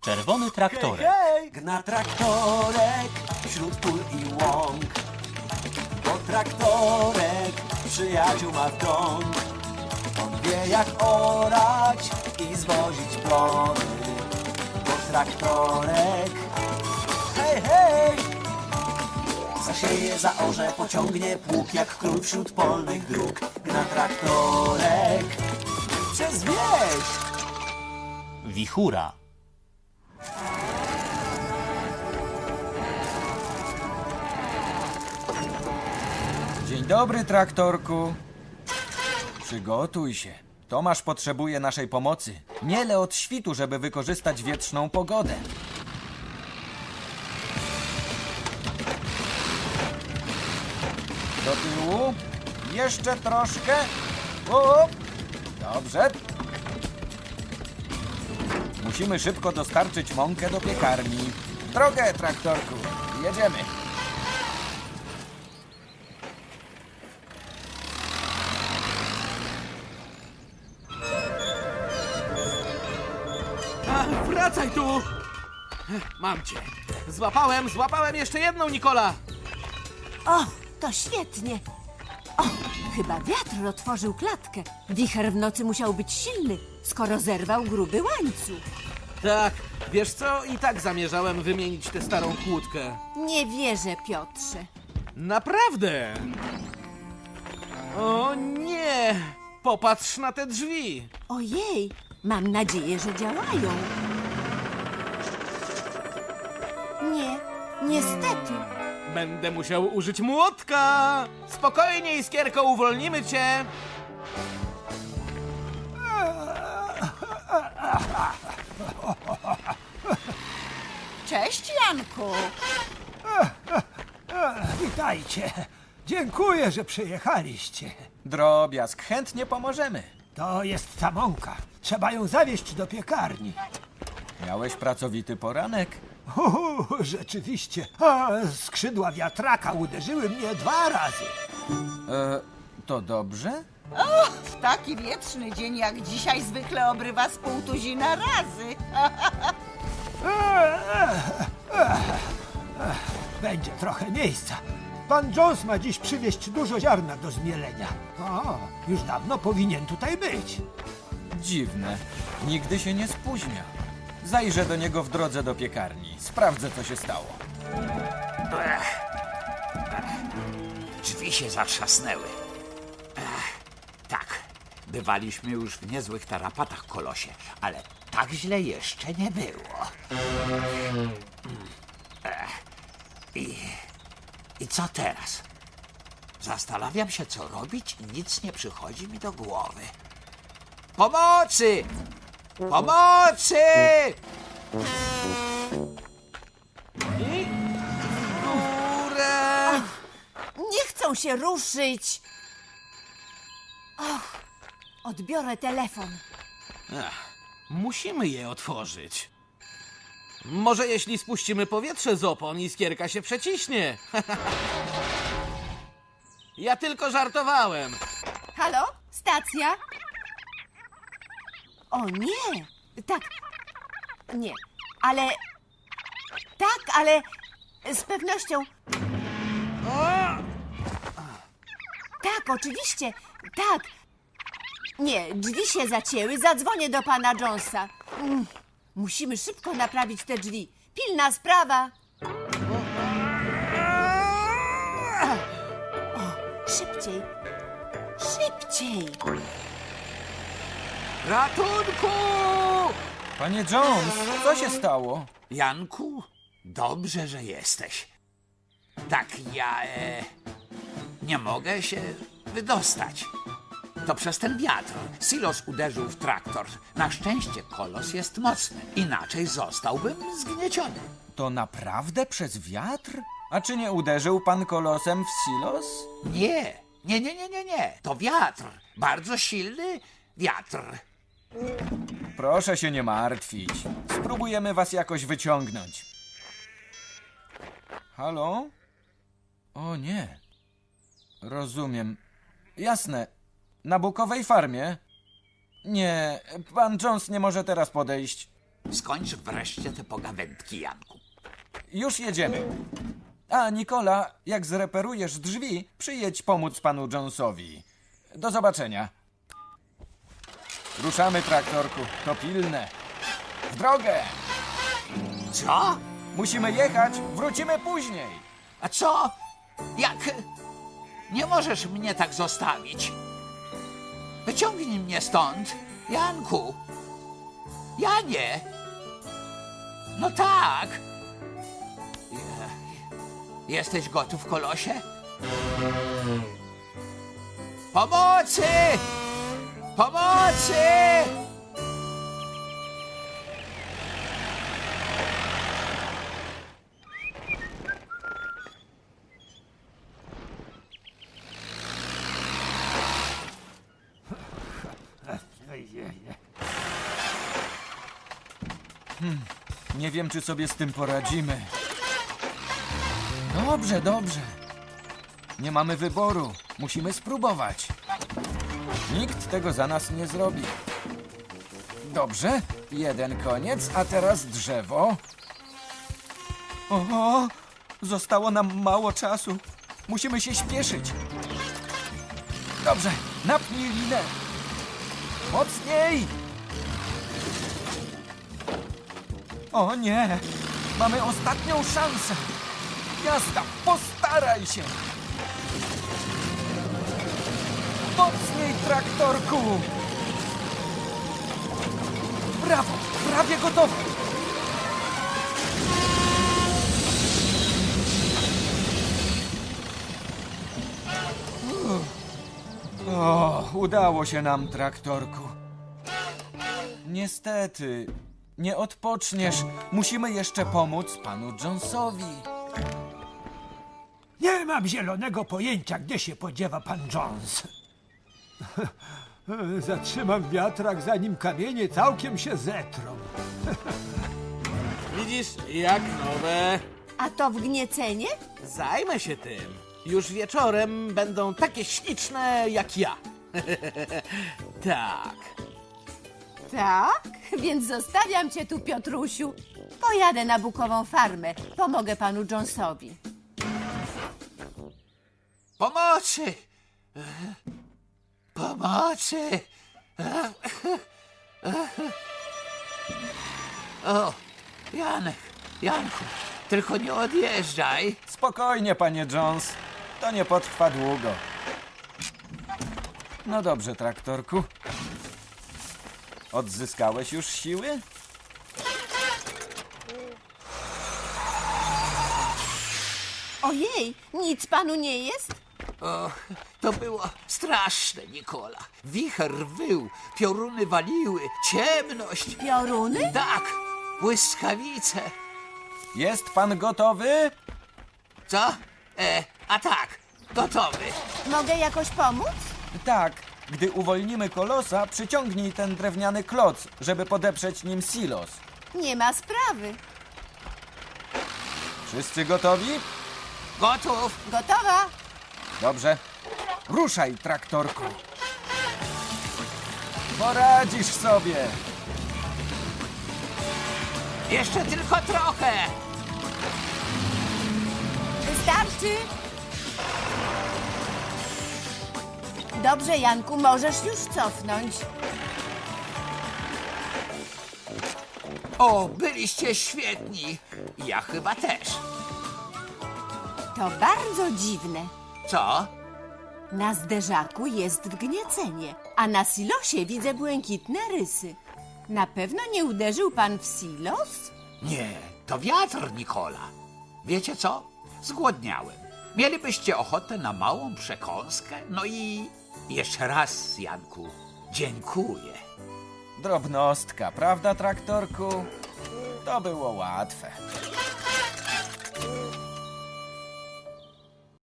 Czerwony traktorek. Hej! Gna traktorek wśród pól i łąk. Bo traktorek przyjaciół ma w dom. On wie jak orać i zwozić plony. Bo traktorek, hej, hej! Zasieje, zaorze, pociągnie pług jak król wśród polnych dróg. Gna traktorek przez wieś. Wichura. Dzień dobry, traktorku. Przygotuj się. Tomasz potrzebuje naszej pomocy. Miele od świtu, żeby wykorzystać wietrzną pogodę. Do tyłu. Jeszcze troszkę. O! Dobrze. Musimy szybko dostarczyć mąkę do piekarni. W drogę, traktorku. Jedziemy. Wracaj tu! Mam cię. Złapałem jeszcze jedną, Nikola! O, to świetnie. O, chyba wiatr otworzył klatkę. Wicher w nocy musiał być silny, skoro zerwał gruby łańcuch. Tak, wiesz co? I tak zamierzałem wymienić tę starą kłódkę. Nie wierzę, Piotrze. Naprawdę! O nie! Popatrz na te drzwi! Ojej, mam nadzieję, że działają. Nie, niestety. Będę musiał użyć młotka! Spokojnie, Iskierko, uwolnimy cię! Cześć, Janku. Witajcie. Dziękuję, że przyjechaliście. Drobiazg, chętnie pomożemy. To jest ta mąka. Trzeba ją zawieźć do piekarni. Miałeś pracowity poranek? Rzeczywiście. A, skrzydła wiatraka uderzyły mnie 2 razy. To dobrze? W taki wietrzny dzień jak dzisiaj zwykle obrywa z 500 razy. Będzie trochę miejsca. Pan Jones ma dziś przywieźć dużo ziarna do zmielenia. O, już dawno powinien tutaj być. Dziwne. Nigdy się nie spóźnia. Zajrzę do niego w drodze do piekarni. Sprawdzę, co się stało. Drzwi się zatrzasnęły. Tak, bywaliśmy już w niezłych tarapatach, kolosie, ale tak źle jeszcze nie było. I co teraz? Zastanawiam się, co robić i nic nie przychodzi mi do głowy. Pomocy! Pomocy! I w górę! Nie chcą się ruszyć. Och, odbiorę telefon. Musimy je otworzyć. Może jeśli spuścimy powietrze z opon, Iskierka się przeciśnie. Ja tylko żartowałem. Halo? Stacja? O nie! Tak. Nie. Ale... Tak, ale... Z pewnością... Tak, oczywiście. Tak. Nie, drzwi się zacięły. Zadzwonię do pana Jonesa. Musimy szybko naprawić te drzwi. Pilna sprawa. O, szybciej. Szybciej. Ratunku! Panie Jones, co się stało? Janku, dobrze, że jesteś. Tak, ja nie mogę się wydostać. To przez ten wiatr. Silos uderzył w traktor. Na szczęście kolos jest mocny. Inaczej zostałbym zgnieciony. To naprawdę przez wiatr? A czy nie uderzył pan kolosem w silos? Nie. To wiatr. Bardzo silny wiatr. Proszę się nie martwić. Spróbujemy was jakoś wyciągnąć. Halo? O nie. Rozumiem. Jasne. Na bukowej farmie? Nie, pan Jones nie może teraz podejść. Skończ wreszcie te pogawędki, Janku. Już jedziemy. A, Nikola, jak zreperujesz drzwi, przyjedź pomóc panu Jonesowi. Do zobaczenia. Ruszamy, traktorku. To pilne. W drogę! Co? Musimy jechać, wrócimy później. A co? Jak? Nie możesz mnie tak zostawić. Wyciągnij mnie stąd, Janku. Janie. No tak. Jesteś gotów, kolosie? Pomocy! Pomocy! Nie wiem, czy sobie z tym poradzimy. Dobrze, dobrze. Nie mamy wyboru. Musimy spróbować. Nikt tego za nas nie zrobi. Dobrze, jeden koniec, a teraz drzewo. O, zostało nam mało czasu. Musimy się śpieszyć. Dobrze, napnij linę. Mocniej! O nie! Mamy ostatnią szansę! Jazda, postaraj się! Mocniej, traktorku! Brawo! Prawie gotowe! O, udało się nam, traktorku. Niestety, nie odpoczniesz. Musimy jeszcze pomóc panu Jonesowi. Nie mam zielonego pojęcia, gdzie się podziewa pan Jones. Zatrzymam wiatrak, zanim kamienie całkiem się zetrą. Widzisz, jak nowe. A to wgniecenie? Zajmę się tym. Już wieczorem będą takie śliczne jak ja. Tak. Tak? Więc zostawiam cię tu, Piotrusiu. Pojadę na Bukową farmę. Pomogę panu Jonesowi. Pomocy! Pomocy! O, Janku, tylko nie odjeżdżaj. Spokojnie, panie Jones. To nie potrwa długo. No dobrze, traktorku. Odzyskałeś już siły? Ojej, nic panu nie jest? O, to było straszne, Nikola. Wicher wył, pioruny waliły, ciemność. Pioruny? Tak, błyskawice. Jest pan gotowy? Co? A tak, gotowy. Mogę jakoś pomóc? Tak. Gdy uwolnimy kolosa, przyciągnij ten drewniany kloc, żeby podeprzeć nim silos. Nie ma sprawy. Wszyscy gotowi? Gotów. Gotowa? Dobrze. Ruszaj, traktorku. Poradzisz sobie. Jeszcze tylko trochę. Wystarczy? Dobrze, Janku, możesz już cofnąć. O, byliście świetni. Ja chyba też. To bardzo dziwne. Co? Na zderzaku jest wgniecenie, a na silosie widzę błękitne rysy. Na pewno nie uderzył pan w silos? Nie, to wiatr, Nikola. Wiecie co? Zgłodniałem. Mielibyście ochotę na małą przekąskę? No i jeszcze raz, Janku, dziękuję. Drobnostka, prawda, traktorku? To było łatwe.